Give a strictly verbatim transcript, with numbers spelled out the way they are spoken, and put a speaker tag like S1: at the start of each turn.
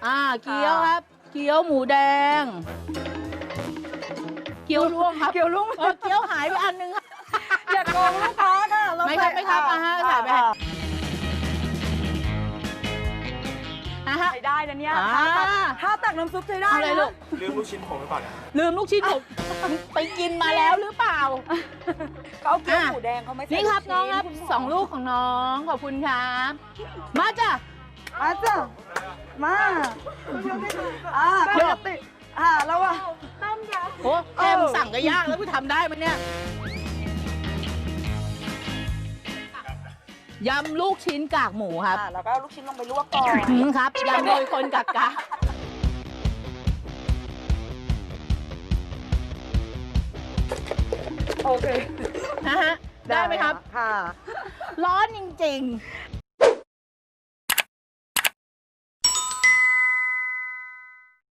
S1: อ่าเกี๊ยวครับเกี๊ยวหมูแดงเกี๊ยวล่วงครับ
S2: เกี๊ยวลุ่ง
S1: เออเกี๊ยวหายไปอันนึงครับ
S2: อย่าโกงลูกค้าค่ะเา
S1: ไม่ครับ
S2: ใส่
S1: ไม่ครับอ่าฮะใส่ไป
S2: อ่า
S1: อ่าฮะ
S2: ใส่ได้นะเนี่ย
S1: อ่า
S2: ถ้าตักถ้าตักน้ำซุปใช้ได้
S1: เอาเลยลูก
S3: ลืมลูกชิ้นผมหรือเปล่าเนี่ย
S1: ลืมลูกชิ้นผมไปกินมาแล้วหรือเปล่า
S2: เขาเอาเกี๊ยวหมูแดงเขาไม่ใส่
S1: นี่ครับ
S2: ลูก
S1: น้อง
S2: ชิ้
S1: ครับ
S2: ณหม
S1: สองลูกของน้องขอบคุณครับมาจ้ะ
S2: มาจ้ะมาอ่าปกติอ่าแล้วอ่ะ
S1: โอ้แค่มึงสั่งก็ยากแล้วกูทำได้ไหมเนี่ยยำลูกชิ้นกากหมูครับ
S2: อ่าแล้วก็เอาลูกชิ้นลงไปลวกก่อน
S1: อืมครับยำโดยคนกากกะ
S2: โอเค
S1: นะฮะได้ไหมครับ
S2: ค่ะ
S1: ร้อนจริง